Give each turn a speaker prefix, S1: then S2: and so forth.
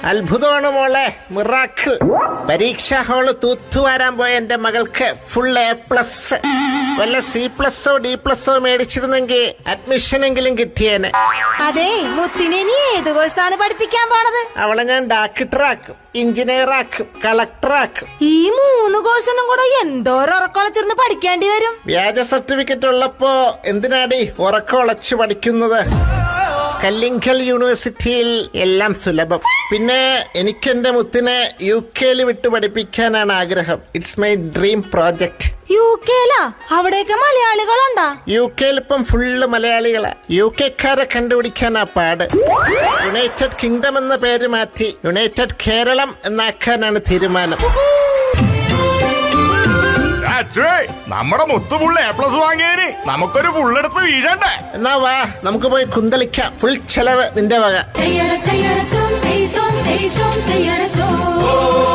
S1: അത്ഭുതമാണ് മോളെ, മിറാക്കിൾ. പരീക്ഷാ ഹാള് തൂത്തുവാരാൻ പോയ എന്റെ മകൾക്ക് ഫുൾ A+. വല്ല C++ഓ D++ മേടിച്ചിരുന്നെങ്കിൽ അഡ്മിഷനെങ്കിലും കിട്ടിയേനെ.
S2: അതെ, മുത്തിനെ നീ ഏത് കോഴ്സാണ് പഠിപ്പിക്കാൻ പോണത്?
S1: അവളെ ഞാൻ ഡാക്ടറാക്കും, എഞ്ചിനീയറാക്കും, കളക്ടറാക്കും.
S2: ഈ 3 കോഴ്സിനും കൂടെ എന്തോരം ഉറക്കൊളച്ചിരുന്ന് പഠിക്കേണ്ടി വരും.
S1: വ്യാജ സർട്ടിഫിക്കറ്റ് ഉള്ളപ്പോ എന്തിനാടി ഉറക്കൊളച്ച് പഠിക്കുന്നത്? കല്ലിങ്കൽ യൂണിവേഴ്സിറ്റിയിൽ എല്ലാം സുലഭം. പിന്നെ എനിക്ക് എന്റെ മുത്തിനെ UK വിട്ട് പഠിപ്പിക്കാനാണ് ആഗ്രഹം. It's my dream project.
S2: UK അവിടെയൊക്കെ മലയാളികളുണ്ടാ?
S1: UK ഇപ്പം ഫുള്ള് മലയാളികളാ. UK കണ്ടുപിടിക്കാനാ പാട്. യുണൈറ്റഡ് കിങ്ഡം എന്ന പേര് മാറ്റി യുണൈറ്റഡ് കേരളം എന്നാക്കാനാണ് തീരുമാനം.
S3: നമ്മുടെ മുത്തുപുള്ള A+ വാങ്ങിയതിന് നമുക്കൊരു ഫുള്ളെടുത്ത് വീഴണ്ടേ?
S1: എന്നാ വാ, നമുക്ക് പോയി കുന്തളിക്കാം. ഫുൾ ചെലവ് നിന്റെ വക.